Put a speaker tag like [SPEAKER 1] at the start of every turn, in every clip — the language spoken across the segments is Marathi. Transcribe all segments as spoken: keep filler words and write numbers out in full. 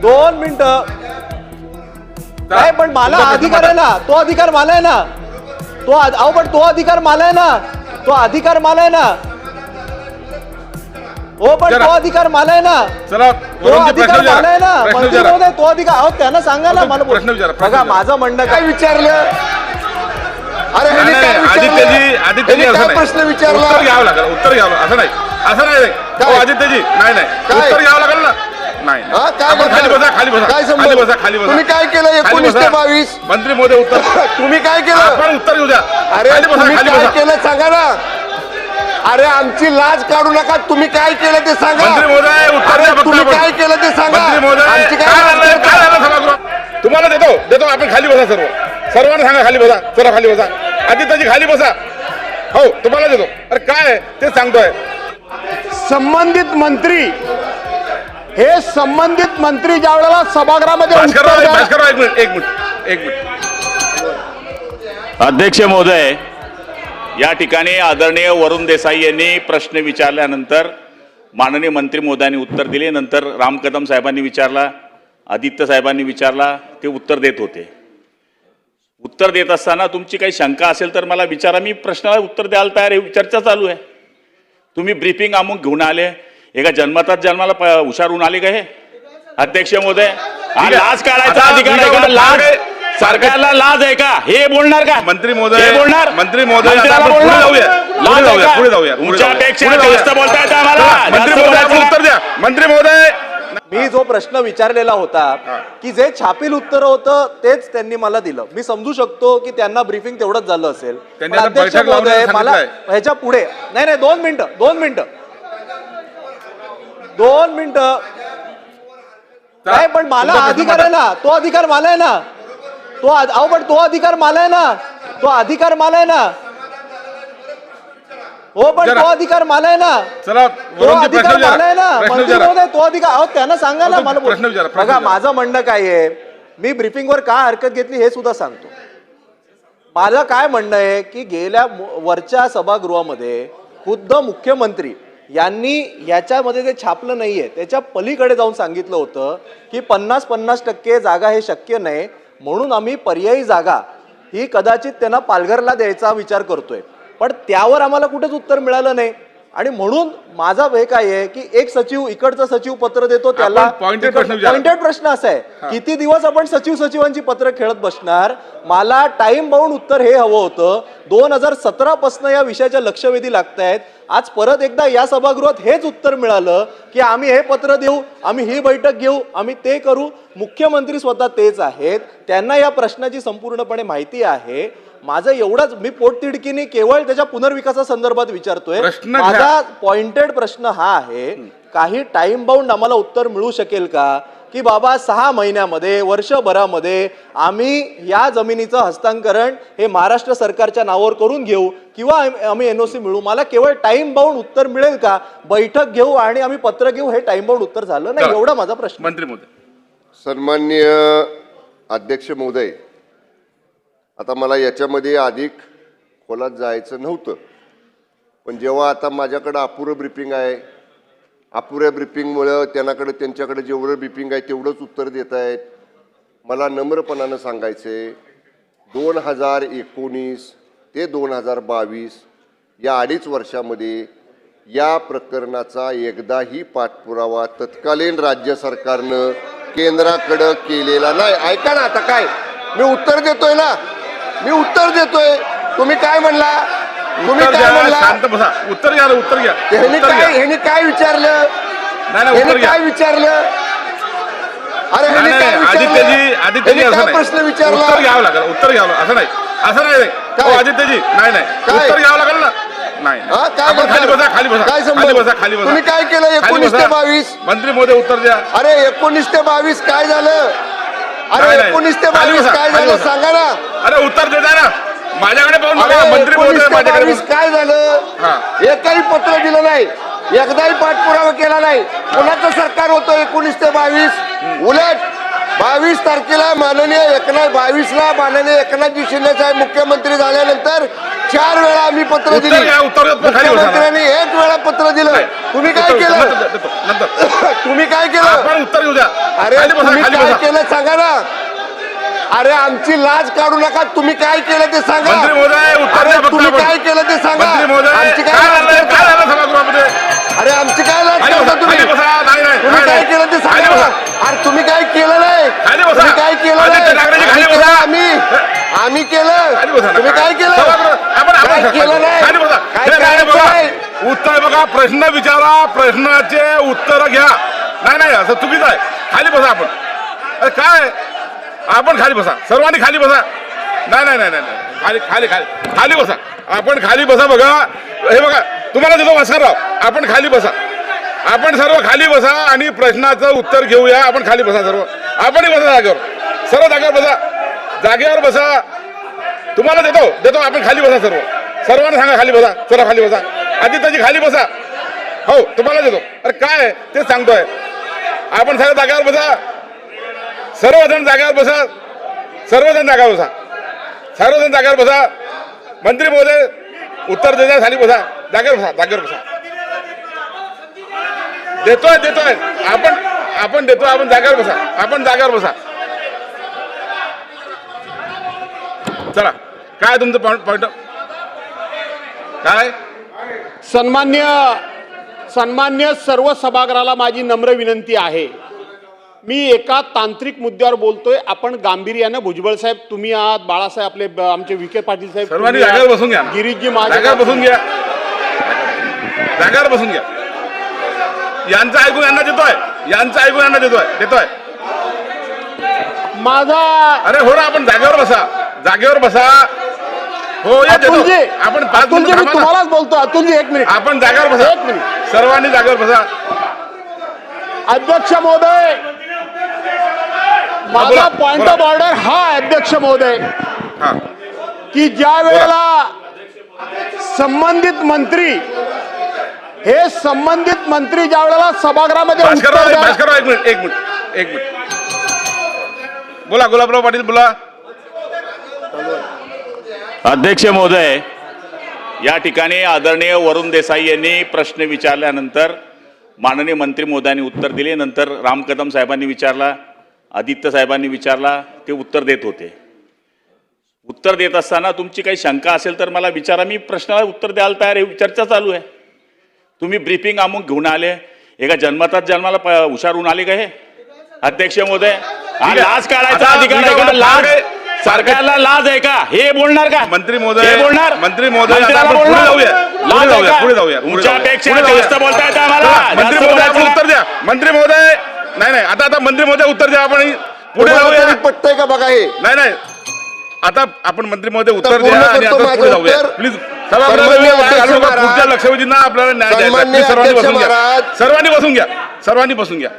[SPEAKER 1] दोन मिनिटं नाही, पण मला अधिकार आहे ना, तो अधिकार मला आहे ना, तो अहो पण तो अधिकार मला आहे ना, तो अधिकार मला आहे ना, हो पण तो अधिकार मला आहे ना,
[SPEAKER 2] चला
[SPEAKER 1] तो अधिकार मला आहे ना, मंत्री महोदय तो अधिकार, अहो त्यांना सांगा ना मला. बघा माझं म्हणणं काय विचारलं,
[SPEAKER 3] अरे
[SPEAKER 2] आदित्यजी आदित्यजी असं
[SPEAKER 3] प्रश्न विचारला,
[SPEAKER 2] उत्तर घ्यावं लागेल, उत्तर घ्यावं असं नाही, असं नाही आदित्यजी, नाही नाही उत्तर घ्यावं लागेल ना. नाही खाली बसा, खाली बसा, खाली बसा, खाली बसा.
[SPEAKER 3] तुम्ही काय केलं एकोणीस ते बावीस
[SPEAKER 2] मंत्री महोदय उत्तर
[SPEAKER 3] तुम्ही काय केलं,
[SPEAKER 2] आपण उत्तर घेऊ द्या.
[SPEAKER 3] अरे
[SPEAKER 2] खाली बसा,
[SPEAKER 3] तुम्ही
[SPEAKER 2] खाली
[SPEAKER 3] काय
[SPEAKER 2] बसा.
[SPEAKER 3] केलं सांगा ना. अरे आमची लाज काढू नका, तुम्ही काय केलं ते सांगा.
[SPEAKER 2] मंत्री महोदय उत्तर द्या फक्त.
[SPEAKER 3] तुम्ही काय केलं ते सांगा.
[SPEAKER 2] मंत्री महोदय
[SPEAKER 3] आमची
[SPEAKER 2] काय
[SPEAKER 3] काय
[SPEAKER 2] झालं, काय झालं सभागृहात? तुम्हाला देतो देतो आपण खाली बसा, सर्व सर्वांना सांगा खाली बसा, चला खाली बसा, आदित्यजी खाली बसा. हो तुम्हाला देतो. अरे काय आहे ते सांगतोय.
[SPEAKER 3] संबंधित मंत्री हे संबंधित मंत्री ज्या वेळेला सभागृहामध्ये
[SPEAKER 2] भास्करराव
[SPEAKER 3] उत्तर द्या-
[SPEAKER 2] भास्करराव एक मिनिट एक मिनिट एक मिनिट
[SPEAKER 4] अध्यक्ष महोदय, या ठिकाणी आदरणीय वरुण देसाई यांनी प्रश्न विचारल्यानंतर माननीय मंत्री महोदयांनी उत्तर दिले. नंतर राम कदम साहेबांनी विचारला, आदित्य साहेबांनी विचारला, ते उत्तर देत होते. उत्तर देत असताना तुमची काही शंका असेल तर मला विचारा, मी प्रश्नाला उत्तर द्यायला तयार आहे. चर्चा चालू आहे. तुम्ही ब्रीफिंग अमुक घेऊन आले, एका जन्मतात जन्माला हुशार होऊन आले का हे अध्यक्ष महोदय? हा लाज काढायचा अधिकार आहे का? लाज सरकारला लाज आहे का? हे बोलणार का
[SPEAKER 2] मंत्री महोदय?
[SPEAKER 4] हे बोलणार
[SPEAKER 2] मंत्री महोदय
[SPEAKER 4] मंत्र्याला
[SPEAKER 2] आता आपण
[SPEAKER 4] बोलणार?
[SPEAKER 2] पुढे जाऊया,
[SPEAKER 4] लाज
[SPEAKER 2] पुढे
[SPEAKER 4] आहे
[SPEAKER 2] जाऊया,
[SPEAKER 4] का?
[SPEAKER 2] पुढे जाऊया, पुढे जाऊया.
[SPEAKER 4] तुमच्यापेक्षा
[SPEAKER 2] पुढे जाऊया.
[SPEAKER 4] जास्त बोलता येतं आम्हाला.
[SPEAKER 2] मंत्री
[SPEAKER 4] जास्त
[SPEAKER 2] महोदय आपण
[SPEAKER 4] बोलायचं.
[SPEAKER 2] उत्तर द्या. मंत्री महोदय
[SPEAKER 1] मी जो प्रश्न विचारलेला होता की जे छापील उत्तर होतं तेच त्यांनी मला दिलं. मी समजू शकतो की त्यांना ब्रीफिंग तेवढंच झालं असेल.
[SPEAKER 2] त्यांनी
[SPEAKER 1] पण
[SPEAKER 2] आता
[SPEAKER 1] अध्यक्ष
[SPEAKER 2] बैठक
[SPEAKER 1] महोदय
[SPEAKER 2] लावण्याचं
[SPEAKER 1] मला
[SPEAKER 2] सांगितलंय.
[SPEAKER 1] ह्याच्या पुढे नाही नाही दोन मिनिटं दोन मिनिटं दोन मिनिटं नाही, पण मला
[SPEAKER 2] तुमचा प्रश्न
[SPEAKER 1] अधिकार आहे ना, तो अधिकार मला आहे ना, तो अध- अहो पण तो अधिकार मला आहे ना, तो अधिकार मला आहे ना, हो पण
[SPEAKER 2] जरा.
[SPEAKER 1] तो अधिकार मला आहे ना,
[SPEAKER 2] चला
[SPEAKER 1] तो
[SPEAKER 2] वरुणजी
[SPEAKER 1] अधिकार
[SPEAKER 2] प्रश्न
[SPEAKER 1] मला आहे
[SPEAKER 2] विचारा,
[SPEAKER 1] ना,
[SPEAKER 2] प्रश्न
[SPEAKER 1] मंत्री
[SPEAKER 2] विचारा.
[SPEAKER 1] महोदय तो अधिकार, अहो त्यांना सांगा ना
[SPEAKER 2] अहो,
[SPEAKER 1] मला.
[SPEAKER 2] प्रश्न विचारा, प्रश्न
[SPEAKER 1] बघा
[SPEAKER 2] विचारा.
[SPEAKER 1] माझं म्हणणं काय आहे, मी ब्रीफिंगवर का हरकत घेतली हे सुद्धा सांगतो. माझं काय म्हणणं आहे की गेल्या मु- वरच्या सभागृहामध्ये खुद्द मुख्यमंत्री यांनी याच्यामध्ये जे छापलं नाहीये त्याच्या पलीकडे जाऊन सांगितलं होतं की पन्नास पन्नास टक्के जागा हे शक्य नाही, म्हणून आम्ही पर्यायी जागा ही कदाचित त्यांना पालघरला द्यायचा विचार करतोय. पण त्यावर आम्हाला कुठेच उत्तर मिळालं नाही. आणि म्हणून माझा हे काय आहे की एक सचिव इकडचं सचिव पत्र देतो त्याला
[SPEAKER 2] आपण pointed प्रश्न विचारा.
[SPEAKER 1] पॉइंटेड प्रश्न असा आहे, किती दिवस आपण सचिव सचिवांची पत्र खेळत बसणार. मला टाइम बाउंड उत्तर हे हवं होतं. दोन हजार सतरा पासून या विषयाच्या लक्षवेधी लागत आहेत. आज परत एकदा या सभागृहात हेच उत्तर मिळालं की आम्ही हे पत्र देऊ, आम्ही ही बैठक घेऊ, आम्ही ते करू. मुख्यमंत्री स्वतः तेच आहेत, त्यांना या प्रश्नाची संपूर्णपणे माहिती आहे. माझं एवढाच, मी पोटतिडकीने केवळ त्याच्या पुनर्विकासासंदर्भात विचारतोय.
[SPEAKER 2] प्रश्न घ्या.
[SPEAKER 1] माझा पॉइंटेड प्रश्न हा आहे, काही टाइम बाउंड आम्हाला उत्तर मिळू शकेल का की बाबा सहा महिन्यामध्ये वर्षभरामध्ये आम्ही या जमिनीचं हस्तांतरण हे महाराष्ट्र सरकारच्या नावावर करून घेऊ किंवा आम्ही एनओसी मिळू. मला केवळ टाइम बाउंड उत्तर मिळेल का? बैठक घेऊ आणि आम्ही पत्र घेऊ, हे टाइम बाउंड उत्तर झालं नाही. एवढा माझा प्रश्न.
[SPEAKER 2] मंत्री महोदय.
[SPEAKER 3] सन्माननीय अध्यक्ष महोदय, आता मला याच्यामध्ये अधिक खोलात जायचं नव्हतं, पण जेव्हा आता माझ्याकडं अपुरं ब्रीफिंग आहे, अपुऱ्या ब्रीफिंगमुळं त्यांच्याकडे त्यांच्याकडे जेवढं ब्रीफिंग आहे तेवढंच उत्तर देत आहेत. मला नम्रपणानं सांगायचे, दोन हजार एकोणीस ते दोन हजार बावीस या अडीच वर्षामध्ये या प्रकरणाचा एकदाही पाठपुरावा तत्कालीन राज्य सरकारनं केंद्राकडं केलेला नाही. ऐका ना, आता काय मी उत्तर देतोय ना, मी उत्तर देतोय. तुम्ही काय म्हणला, तुम्ही
[SPEAKER 2] उत्तर
[SPEAKER 3] काय
[SPEAKER 2] द्या,
[SPEAKER 3] म्हणला,
[SPEAKER 2] शांत बसा. उत्तर घ्या, उत्तर घ्या.
[SPEAKER 3] ह्यांनी
[SPEAKER 2] उत्तर
[SPEAKER 3] काय
[SPEAKER 2] घ्या.
[SPEAKER 3] ह्यांनी काय विचारलं,
[SPEAKER 2] नाही नाही उत्तर
[SPEAKER 3] ह्यांनी
[SPEAKER 2] घ्या.
[SPEAKER 3] काय विचारलं, अरे ह्यांनी
[SPEAKER 2] नाही,
[SPEAKER 3] काय
[SPEAKER 2] नाही,
[SPEAKER 3] विचारलं,
[SPEAKER 2] आदित्यजी आदित्यजी
[SPEAKER 3] ह्यांनी
[SPEAKER 2] असं
[SPEAKER 3] काय प्रश्न
[SPEAKER 2] नाही.
[SPEAKER 3] विचारला,
[SPEAKER 2] उत्तर घ्यावं लागेल, उत्तर घ्यावं लागेल. असं नाही, असं नाही.
[SPEAKER 3] काय?
[SPEAKER 2] हो, आदित्यजी नाही नाही
[SPEAKER 3] काय?
[SPEAKER 2] उत्तर घ्यावं लागेल ना. नाही
[SPEAKER 3] हा, काय
[SPEAKER 2] आपण खाली
[SPEAKER 3] बोलताय?
[SPEAKER 2] बसा, खाली बसा,
[SPEAKER 3] काय संबंध?
[SPEAKER 2] खाली बसा, खाली बसा.
[SPEAKER 3] तुम्ही काय केलं
[SPEAKER 2] खाली
[SPEAKER 3] एकोणीस
[SPEAKER 2] बसा.
[SPEAKER 3] ते बावीस?
[SPEAKER 2] मंत्री महोदय उत्तर द्या.
[SPEAKER 3] अरे एकोणीस ते बावीस काय झालं? अरे
[SPEAKER 2] नाही, नाही.
[SPEAKER 3] एकोणीस ते
[SPEAKER 2] खाली
[SPEAKER 3] बावीस
[SPEAKER 2] बसा,
[SPEAKER 3] काय
[SPEAKER 2] खाली
[SPEAKER 3] झालं
[SPEAKER 2] बसा.
[SPEAKER 3] सांगा ना.
[SPEAKER 2] अरे उत्तर देता ना, माझ्याकडे पाहून
[SPEAKER 3] अरे
[SPEAKER 2] बघा. मंत्री
[SPEAKER 3] एकोणीस
[SPEAKER 2] महोदय
[SPEAKER 3] ते
[SPEAKER 2] माझ्याकडे
[SPEAKER 3] बावीस
[SPEAKER 2] पाहून-
[SPEAKER 3] काय झालं?
[SPEAKER 2] हा.
[SPEAKER 3] एकही पत्र दिलं नाही, एकदाही पाठपुरावा केला नाही. कोणाचं सरकार होतं एकोणीस ते बावीस? उलट बावीस तारखेला माननीय एकनाथ बावीसला माननीय एकनाथजी शिंदे साहेब मुख्यमंत्री झाल्यानंतर चार वेळा आम्ही पत्र
[SPEAKER 2] उत्तर
[SPEAKER 3] दिली.
[SPEAKER 2] घ्या, उत्तर घ्या, खाली बसा.
[SPEAKER 3] मुख्यमंत्र्यांनी एक वेळा पत्र दिलं. तुम्ही काय
[SPEAKER 2] देतो,
[SPEAKER 3] केलं?
[SPEAKER 2] नंतर देतो, नंतर
[SPEAKER 3] तुम्ही काय केलं?
[SPEAKER 2] आपण उत्तर घेऊ द्या.
[SPEAKER 3] अरे
[SPEAKER 2] खाली बसा,
[SPEAKER 3] तुम्ही
[SPEAKER 2] खाली
[SPEAKER 3] काय
[SPEAKER 2] बसा.
[SPEAKER 3] केलं सांगा ना. अरे आमची लाज काढू नका. तुम्ही काय केलं ते सांगा.
[SPEAKER 2] मंत्री महोदय, उत्तर
[SPEAKER 3] अरे
[SPEAKER 2] द्या फक्त
[SPEAKER 3] तुम्ही
[SPEAKER 2] आपण.
[SPEAKER 3] काय केलं ते सांगा.
[SPEAKER 2] मंत्री महोदय,
[SPEAKER 3] आमची
[SPEAKER 2] काय
[SPEAKER 3] काय लाज
[SPEAKER 2] झालं काय
[SPEAKER 3] करता?
[SPEAKER 2] झालं सभागृहामध्ये?
[SPEAKER 3] अरे आमची काय लाज
[SPEAKER 2] खाली
[SPEAKER 3] करता
[SPEAKER 2] बसा,
[SPEAKER 3] तुम्ही?
[SPEAKER 2] खाली बसा. नाही, नाही,
[SPEAKER 3] तुम्ही
[SPEAKER 2] नाही,
[SPEAKER 3] काय
[SPEAKER 2] नाही.
[SPEAKER 3] केलं ते
[SPEAKER 2] खाली
[SPEAKER 3] सांगा.
[SPEAKER 2] बसा.
[SPEAKER 3] अरे तुम्ही काय केलं नाही.
[SPEAKER 2] खाली बसा.
[SPEAKER 3] तुम्ही काय केलं
[SPEAKER 2] आदित्य
[SPEAKER 3] नाही.
[SPEAKER 2] ठाकरेजी, खाली
[SPEAKER 3] आम्ही
[SPEAKER 2] बसा.
[SPEAKER 3] केलं, आम्ही आम्ही केलं.
[SPEAKER 2] खाली बसा ना.
[SPEAKER 3] तुम्ही काय केलं.
[SPEAKER 2] सभागृह- आपण- आपण-
[SPEAKER 3] काय केलं नाही.
[SPEAKER 2] खाली बसा.
[SPEAKER 3] काय
[SPEAKER 2] नाही, नाही,
[SPEAKER 3] करायचं
[SPEAKER 2] बघा.
[SPEAKER 3] नाही.
[SPEAKER 2] उत्तर बघा, प्रश्न विचारा, प्रश्नाचे उत्तर घ्या. नाही नाही असं चुकीचं आहे. खाली बसा आपण. अरे काय आपण खाली बसा, सर्वांनी खाली बसा. नाही नाही नाही नाही नाही. खाली खाली खाली खाली बसा. आपण खाली बसा. बघा हे बघा, तुम्हाला देतो भास्करराव. आपण खाली बसा. आपण सर्व खाली बसा आणि प्रश्नाचं उत्तर घेऊया. आपण खाली बसा सर्व. आपणही बसा जागेवर. सर्व जागेवर बसा. जागेवर बसा. तुम्हाला देतो देतो आपण खाली बसा सर्व. सर्वांना सांगा खाली बसा. चला खाली बसा. आदित्यजी खाली बसा. हो तुम्हाला देतो. अरे काय ते सांगतोय. आपण सर्व जागेवर बसा. सर्वजण जागेवर बसा. सर्वजण जागेवर बसा. सर्वजण जागेवर बसा. मंत्री महोदय उत्तर देता. खाली बसा. जागेवर बसा. जागेवर बसा. देतोय देतोय आपण आपण देतोय. आपण जागेवर बसा. आपण जागेवर बसा. चला काय तुमचं पॉइंट पॉइंट काय?
[SPEAKER 5] सन्मान्य सन्मान्य सर्व सभागृहाला माझी नम्र विनंती आहे. मी एका तांत्रिक मुद्द्यावर बोलतोय. आपण गांभीर्यानं, भुजबळ साहेब तुम्ही आहात, बाळासाहेब आपले ब- आमचे विखे पाटील साहेब
[SPEAKER 2] सर्वांनी
[SPEAKER 5] तुम्ही
[SPEAKER 2] जागेवर
[SPEAKER 5] आहात,
[SPEAKER 2] बसून घ्या.
[SPEAKER 5] गिरीशजी माझे
[SPEAKER 2] जागेवर बसून घ्या. जागेवर बसून घ्या. यांचं ऐकून यांना देतोय. यांचं ऐकून यांना देतोय देतोय
[SPEAKER 5] माझा
[SPEAKER 2] अरे हो ना, आपण जागेवर बसा. जागेवर बसा. हो या देतो.
[SPEAKER 5] अतुलजी
[SPEAKER 2] आपण पाच
[SPEAKER 5] अतुलजी
[SPEAKER 2] मिनिटं
[SPEAKER 5] मी
[SPEAKER 2] थांबा ना.
[SPEAKER 5] तुम्हालाच बोलतो. अतुलजी एक मिनिट.
[SPEAKER 2] आपण जागेवर बसा.
[SPEAKER 5] एक मिनिट.
[SPEAKER 2] सर्वांनी जागेवर बसा.
[SPEAKER 5] अध्यक्ष महोदय, माझा
[SPEAKER 2] बोला,
[SPEAKER 5] पॉइंट
[SPEAKER 2] बोला.
[SPEAKER 5] ऑफ ऑर्डर हा आहे, अध्यक्ष महोदय,
[SPEAKER 2] हा
[SPEAKER 5] की ज्या वेळेला संबंधित मंत्री हे संबंधित मंत्री ज्या वेळेला सभागृहामध्ये उत्तर
[SPEAKER 2] भास्करराव
[SPEAKER 5] द्या-
[SPEAKER 2] भास्करराव एक मिनिट एक मिनिट एक मिनिट बोला. गुलाबराव पाटील बोला.
[SPEAKER 4] अध्यक्ष महोदय, या ठिकाणी आदरणीय वरुण देसाई यांनी प्रश्न विचारल्यानंतर माननीय मंत्री महोदयांनी उत्तर दिले. नंतर राम कदम साहेबांनी विचारला, आदित्य साहेबांनी विचारला. ते उत्तर देत होते. उत्तर देत असताना तुमची काही शंका असेल तर मला विचारा. मी प्रश्नाला उत्तर द्यायला तयार आहे. चर्चा चालू आहे. तुम्ही ब्रीफिंग अमुक घेऊन आले. एका जन्मतात जन्माला प- हुशार होऊन आले का हे? अध्यक्ष महोदय, हा
[SPEAKER 2] ठीक आहे.
[SPEAKER 4] लाज काढायचा
[SPEAKER 2] आता
[SPEAKER 4] अधिकार आहे का?
[SPEAKER 2] विधान-
[SPEAKER 4] लाज
[SPEAKER 2] काय-
[SPEAKER 4] सरकारला लाज आहे का? हे बोलणार का?
[SPEAKER 2] मंत्री महोदय-
[SPEAKER 4] हे बोलणार
[SPEAKER 2] मंत्री महोदय, आता
[SPEAKER 4] मंत्र्याला
[SPEAKER 2] आपण पुढे
[SPEAKER 4] बोलणार?
[SPEAKER 2] जाऊया. पुढे
[SPEAKER 4] लाज आहे
[SPEAKER 2] जाऊया,
[SPEAKER 4] का?
[SPEAKER 2] पुढे जाऊया, पुढे जाऊया.
[SPEAKER 4] तुमच्यापेक्षा
[SPEAKER 2] पुढे जाऊया.
[SPEAKER 4] जास्त बोलता येतं आम्हाला.
[SPEAKER 2] चला,
[SPEAKER 4] जास्त
[SPEAKER 2] मंत्री महोदय आपण
[SPEAKER 4] बोलायचं
[SPEAKER 2] उत्तर द्या. मंत्री महोदय नाही नाही आता आता मंत्री महोदय उत्तर द्या. आपण पुढे
[SPEAKER 3] तुम्हाला
[SPEAKER 2] जाऊया.
[SPEAKER 3] तरी पटतंय का बघा हे.
[SPEAKER 2] नाही नाही आता आपण मंत्री महोदय उत्तर
[SPEAKER 3] पूर्ण
[SPEAKER 2] द्या आणि
[SPEAKER 3] करतो
[SPEAKER 2] आता
[SPEAKER 3] माझं
[SPEAKER 2] पुढे जाऊया.
[SPEAKER 3] उत्तर.
[SPEAKER 2] प्लीज
[SPEAKER 3] सन्माननीय
[SPEAKER 2] सभागृहात
[SPEAKER 3] अध्यक्ष महाराज,
[SPEAKER 2] पुढच्या लक्षवेधींना आपल्याला न्याय द्यायचा.
[SPEAKER 3] सन्माननीय
[SPEAKER 2] Please, सर्वांनी
[SPEAKER 3] अध्यक्ष
[SPEAKER 2] बसून घ्या.
[SPEAKER 3] महाराज.
[SPEAKER 2] सर्वांनी बसून घ्या. सर्वांनी बसून घ्या.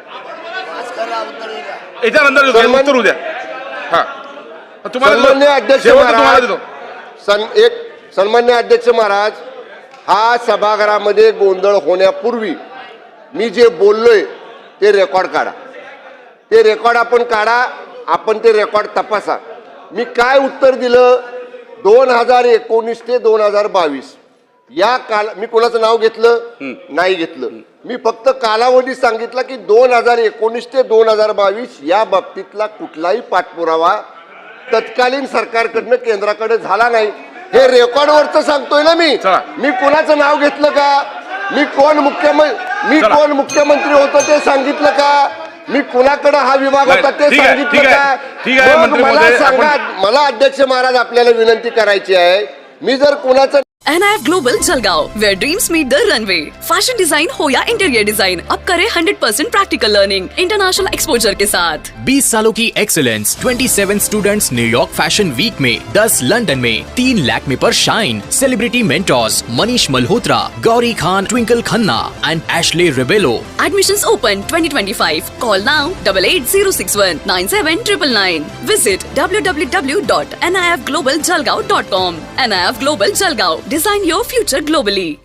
[SPEAKER 2] याच्यानंतर
[SPEAKER 3] सन्मान-
[SPEAKER 2] उत्तर उद्या. हा तुम्हाला
[SPEAKER 3] सन्मान्य
[SPEAKER 2] देतो.
[SPEAKER 3] अध्यक्ष
[SPEAKER 2] शेवटचं तुम्हाला
[SPEAKER 3] महाराज
[SPEAKER 2] देतो.
[SPEAKER 3] सन एक सन्मान्य अध्यक्ष महाराज, हा सभागृहामध्ये गोंधळ होण्यापूर्वी मी जे बोललोय ते रेकॉर्ड काढा. ते रेकॉर्ड आपण काढा. आपण ते रेकॉर्ड तपासा. मी काय उत्तर दिलं दोन हजार एकोणीस ते दोन हजार बावीस या काल मी कोणाचं नाव घेतलं नाही घेतलं. मी फक्त कालावधी सांगितला की दोन हजार एकोणीस ते दोन हजार बावीस या बाबतीतला कुठलाही पाठपुरावा तत्कालीन सरकारकडनं केंद्राकडे झाला नाही. हे रेकॉर्डवरचं सांगतोय ना मी.
[SPEAKER 2] चला.
[SPEAKER 3] मी कोणाचं नाव घेतलं का? मी कोण मुख्यमंत्री मी
[SPEAKER 2] चला.
[SPEAKER 3] कोण मुख्यमंत्री होतो ते सांगितलं का? मी कुणाकडे हा विभाग
[SPEAKER 2] नाही,
[SPEAKER 3] होता ते
[SPEAKER 2] ठीक आहे,
[SPEAKER 3] सांगितलं
[SPEAKER 2] ठीक आहे.
[SPEAKER 3] का?
[SPEAKER 2] ठीक आहे,
[SPEAKER 3] मग
[SPEAKER 2] मंत्री
[SPEAKER 3] मला
[SPEAKER 2] महोदय,
[SPEAKER 3] सांगा.
[SPEAKER 2] आपण-
[SPEAKER 3] मला अध्यक्ष महाराज आपल्याला विनंती करायची आहे. मी जर कुणाचं
[SPEAKER 6] N I F Global Jalgaon, where dreams meet the runway. Fashion design हो या इंटीरियर डिजाइन, अब करे hundred percent practical learning international exposure के साथ.
[SPEAKER 7] बीस सालों की एक्सीलेंस, सत्ताईस स्टूडेंट्स न्यूयॉर्क फैशन वीक में, दस लंदन में, तीन लैक्मे पर shine. Celebrity mentors Manish Malhotra, Gauri Khan, Twinkle Khanna and Ashley Rebello.
[SPEAKER 6] Admissions open twenty twenty-five. Call now double eight zero six one nine seven nine nine. Visit w w w dot n i f global jalgaon dot com. N I F Global Jalgaon. Design your future globally.